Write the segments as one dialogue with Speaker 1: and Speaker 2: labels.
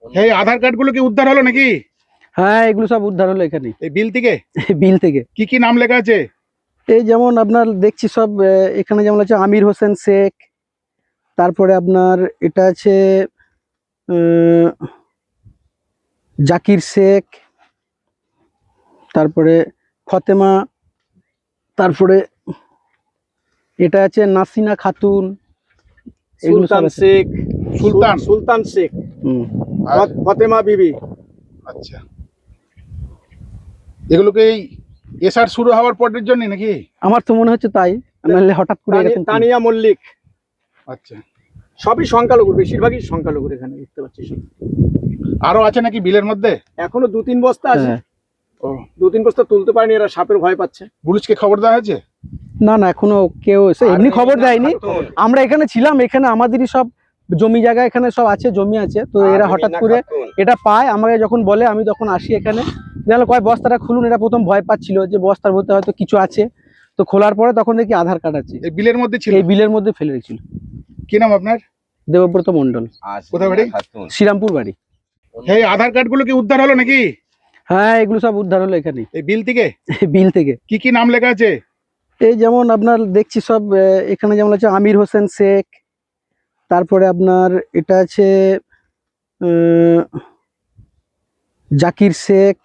Speaker 1: এই আধার কার্ড গুলো কি উদ্ধার হলো নাকি?
Speaker 2: হ্যাঁ, এগুলো সব উদ্ধার হলো এখানে
Speaker 1: এই বিল থেকে।
Speaker 2: বিল থেকে
Speaker 1: কি কি নাম লেখা আছে?
Speaker 2: এই যেমন আপনার দেখছি সব এখানে যেমন আছে আমির হোসেন শেখ, তারপরে আপনার এটা আছে জাকির শেখ, তারপরে ফতেমা, তারপরে এটা আছে নাসিনা খাতুন,
Speaker 3: সুলতান শেখ, সুলতান শেখ, ফতেমা বিবি।
Speaker 1: আচ্ছা, এগুলোকে এই এসআর শুরু হওয়ার পরের জন্য নাকি?
Speaker 2: আমার তো মনে হচ্ছে তাই, নাহলে হঠাৎ করে এরকম
Speaker 3: তানিয়া মল্লিক।
Speaker 1: আচ্ছা,
Speaker 3: সবই সংখ্যালঘু, বেশিরভাগই সংখ্যালঘুর এখানে দেখতে পাচ্ছি।
Speaker 1: আরো আছে নাকি বিলের মধ্যে?
Speaker 3: এখনো 2-3 বস্তা আছে।
Speaker 1: ও,
Speaker 3: 2-3 বস্তা তুলতে পারেনি, এরা সাপের ভয় পাচ্ছে।
Speaker 1: পুলিশকে খবর দেওয়া হয়েছে?
Speaker 2: না না, এখনো কেউ এমনি খবর দেয়নি। আমরা এখানে ছিলাম, এখানে আমাদেরই সব জমি জায়গা এখানে সব আছে, জমি আছে, তো এরা হঠাৎ করে এটা পায়, আমাকে যখন বলে আমি তখন আসি এখানে। দেখলো কয় বস্তাটা খুলুন, এটা প্রথম ভয় পাচ্ছিল যে বস্তার মধ্যে হয়তো কিছু আছে, তো খোলার পরে তখন দেখি আধার কার্ড আছে।
Speaker 1: এই বিলের মধ্যে ছিল?
Speaker 2: এই বিলের মধ্যে ফেলে রেখেছিল।
Speaker 1: কি নাম আপনার?
Speaker 2: দেবব্রত মন্ডল।
Speaker 1: কোথায় বাড়ি?
Speaker 2: শ্রীরামপুর বাড়ি।
Speaker 1: এই আধার কার্ড গুলো কি উদ্ধার হলো নাকি?
Speaker 2: হ্যাঁ, এগুলো সব উদ্ধার হলো এখানে
Speaker 1: এই বিল থেকে।
Speaker 2: বিল থেকে।
Speaker 1: কি কি নাম লেখা আছে?
Speaker 2: এই যেমন আপনার দেখছি সব এখানে যেমন আছে আমির হোসেন শেখ, তারপরে আপনার এটা আছে জাকির শেখ,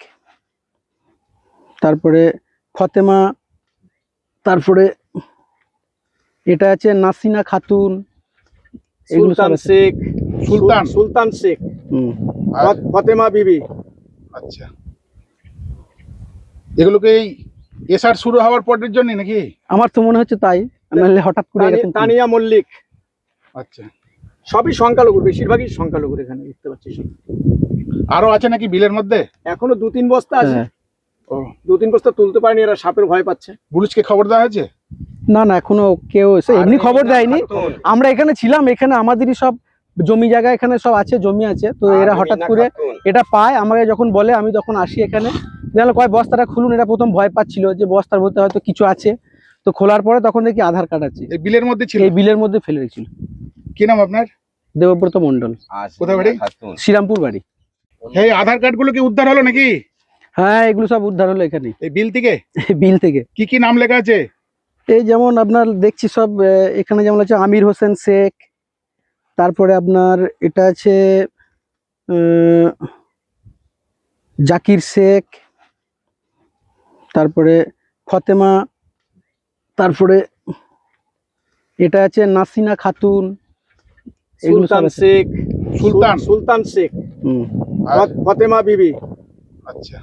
Speaker 2: তারপরে ফতেমা, তারপরে এটা আছে নাসিনা খাতুন,
Speaker 3: সুলতান শেখ, সুলতান শেখ, ফতেমা বিবি।
Speaker 1: আচ্ছা, এগুলোকে এই এসআর শুরু হওয়ার পরের জন্য নাকি?
Speaker 2: আমার তো মনে হচ্ছে তাই, নাহলে হঠাৎ করে এরকম
Speaker 3: তানিয়া মল্লিক।
Speaker 1: আচ্ছা,
Speaker 3: সবই সংখ্যালঘু, বেশিরভাগই সংখ্যালঘুর এখানে দেখতে পাচ্ছি।
Speaker 1: আরো আছে নাকি বিলের মধ্যে?
Speaker 3: এখনো 2-3 বস্তা আছে।
Speaker 1: ও,
Speaker 3: 2-3 বস্তা তুলতে পারেনি, এরা সাপের ভয় পাচ্ছে।
Speaker 1: পুলিশকে খবর দেওয়া হয়েছে?
Speaker 2: না না, এখনো কেউ এমনি খবর দেয়নি। আমরা এখানে ছিলাম, এখানে আমাদেরই সব জমি জায়গা এখানে সব আছে, জমি আছে, তো এরা হঠাৎ করে এটা পায়, আমাকে যখন বলে আমি তখন আসি এখানে। দেখলো কয় বস্তাটা খুলুন, এটা প্রথম ভয় পাচ্ছিল যে বস্তার মধ্যে হয়তো কিছু আছে, তো খোলার পরে তখন দেখি আধার কার্ড আছে।
Speaker 1: এই বিলের মধ্যে ছিল?
Speaker 2: এই বিলের মধ্যে ফেলে রেখেছিল।
Speaker 1: কি নাম আপনার?
Speaker 2: দেবব্রত মন্ডল।
Speaker 1: কোথায় বাড়ি?
Speaker 2: শ্রীরামপুর বাড়ি।
Speaker 1: এই আধার কার্ড গুলো কি উদ্ধার হলো নাকি?
Speaker 2: হ্যাঁ, এগুলো সব উদ্ধার হলো এখানে
Speaker 1: এই বিল থেকে।
Speaker 2: বিল থেকে।
Speaker 1: কি কি নাম লেখা আছে?
Speaker 2: এই যেমন আপনার দেখছি সব এখানে যেমন আছে আমির হোসেন শেখ, তারপরে আপনার এটা আছে জাকির শেখ, তারপরে ফতেমা, তারপরে এটা আছে নাসিনা খাতুন,
Speaker 3: সুলতান শেখ, সুলতান শেখ, ফতেমা বিবি।
Speaker 1: আচ্ছা,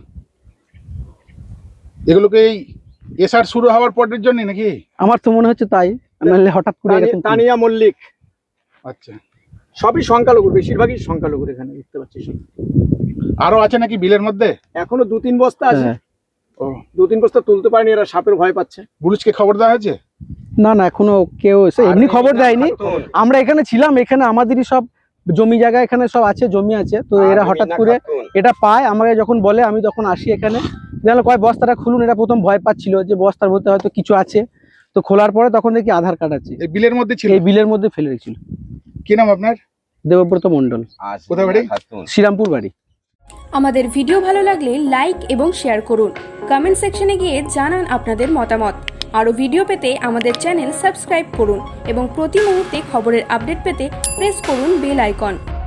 Speaker 1: এগুলোকে এই এসআর শুরু হওয়ার পরের জন্য নাকি?
Speaker 2: আমার তো মনে হচ্ছে তাই, নাহলে হঠাৎ করে এরকম
Speaker 3: তানিয়া মল্লিক।
Speaker 1: আচ্ছা,
Speaker 3: সবই সংখ্যালঘু, বেশিরভাগই সংখ্যালঘুর এখানে দেখতে পাচ্ছি।
Speaker 1: আরো আছে নাকি বিলের মধ্যে?
Speaker 3: এখনো 2-3 বস্তা আছে।
Speaker 1: ও,
Speaker 3: 2-3 বস্তা তুলতে পারেনি, এরা সাপের ভয় পাচ্ছে।
Speaker 1: পুলিশকে খবর দেওয়া হয়েছে?
Speaker 2: না না, এখনো কেউ এমনি খবর দেয়নি। আমরা এখানে ছিলাম, এখানে আমাদেরই সব জমি জায়গা এখানে সব আছে, জমি আছে, তো এরা হঠাৎ করে এটা পায়, আমাকে যখন বলে আমি তখন আসি এখানে। দেখলো কয় বস্তাটা খুলুন, এটা প্রথম ভয় পাচ্ছিল যে বস্তার মধ্যে হয়তো কিছু আছে, তো খোলার পরে তখন দেখি আধার কার্ড আছে।
Speaker 1: এই বিলের মধ্যে ছিল?
Speaker 2: এই বিলের মধ্যে ফেলে রেখেছিল।
Speaker 1: কি নাম আপনার?
Speaker 2: দেবব্রত মন্ডল।
Speaker 1: কোথায় বাড়ি?
Speaker 2: শ্রীরামপুর বাড়ি।
Speaker 4: আমাদের ভিডিও ভালো লাগলে লাইক এবং শেয়ার করুন। কমেন্ট সেকশনে গিয়ে জানান আপনাদের মতামত। আরও ভিডিও পেতে আমাদের চ্যানেল সাবস্ক্রাইব করুন এবং প্রতি মুহূর্তে খবরের আপডেট পেতে প্রেস করুন বেল আইকন।